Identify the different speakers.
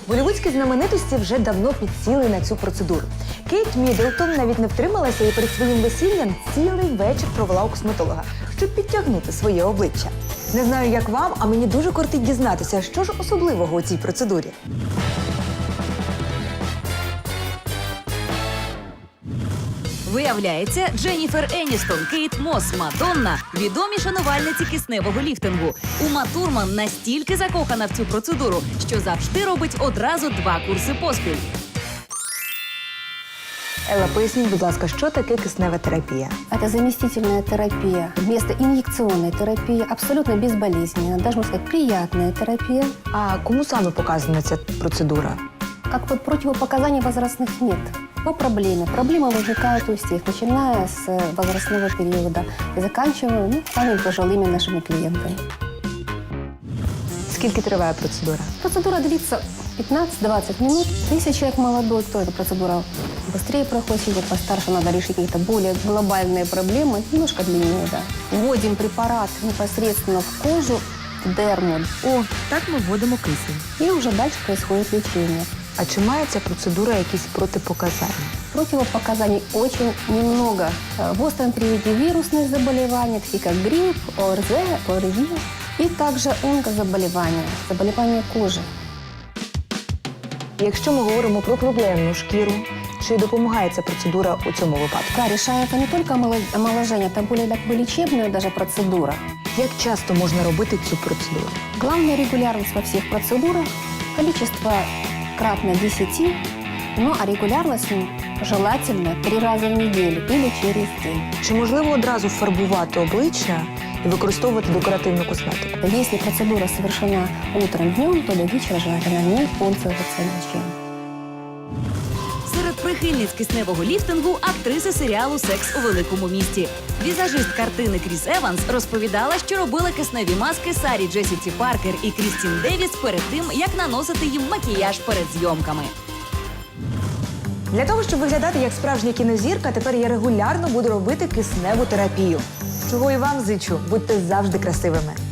Speaker 1: Голлівудські знаменитості вже давно підсіли на цю процедуру. Кейт Міддлтон навіть не втрималася і перед своїм весіллям цілий вечір провела у косметолога, щоб підтягнути своє обличчя. Не знаю, як вам, а мені дуже кортить дізнатися, що ж особливого у цій процедурі.
Speaker 2: Виявляється, Дженніфер Еністон, Кейт Мосс, Мадонна – відомі шанувальниці кисневого ліфтингу. Ума Турман настільки закохана в цю процедуру, що завжди робить одразу 2 курси поспіль.
Speaker 1: Елла, поясніть, будь ласка, що таке киснева терапія?
Speaker 3: Это заместительная терапия вместо инъекционной терапии, абсолютно безболезненная, даже, можно сказать, приятная терапия.
Speaker 1: А кому саме показана ця процедура?
Speaker 3: Как бы противопоказаний возрастных нет. По проблеме. Проблемы возникают у всех, начиная с возрастного периода и заканчивая самыми пожилыми нашими клиентами.
Speaker 1: Скільки триває процедура?
Speaker 3: Процедура длится 15-20 минут. Если человек молодой, то эта процедура быстрее проходит. Если постарше, надо решить какие-то более глобальные проблемы. Немножко длиннее, да. Вводим препарат непосредственно в кожу, в дерму.
Speaker 1: О, так ми вводимо кисень.
Speaker 3: И уже дальше происходит лечение.
Speaker 1: А чи має ця процедура якісь протипоказання?
Speaker 3: Противопоказаний очень немного. В остром периоде вирусные заболевания, такие как грипп, ОРЗ, ОРВИ, и также онкозаболевания, заболевания кожи.
Speaker 1: Якщо ми говоримо про проблемну шкіру, чи допомагає ця процедура у цьому випадку?
Speaker 3: Да, решает не только омоложение, это более лечебная даже процедура.
Speaker 1: Як часто можна робити цю процедуру?
Speaker 3: Главная регулярность во всех процедурах, количество кратно 10, ну а регулярность желательно 3 раза в неделю или через день.
Speaker 1: Чи можливо одразу фарбувати обличчя і використовувати декоративну косметику?
Speaker 3: Если процедура совершена утром, днем, то до вечера желательно не пользоваться ничем.
Speaker 2: Серед прихильниць кисневого ліфтингу – актриси серіалу «Секс у великому місті». Візажист картини Кріс Еванс розповідала, що робила кисневі маски Сарі Джесіці Паркер і Крістін Девіс перед тим, як наносити їм макіяж перед зйомками.
Speaker 1: Для того, щоб виглядати як справжня кінозірка, тепер я регулярно буду робити кисневу терапію. Чого і вам зичу. Будьте завжди красивими.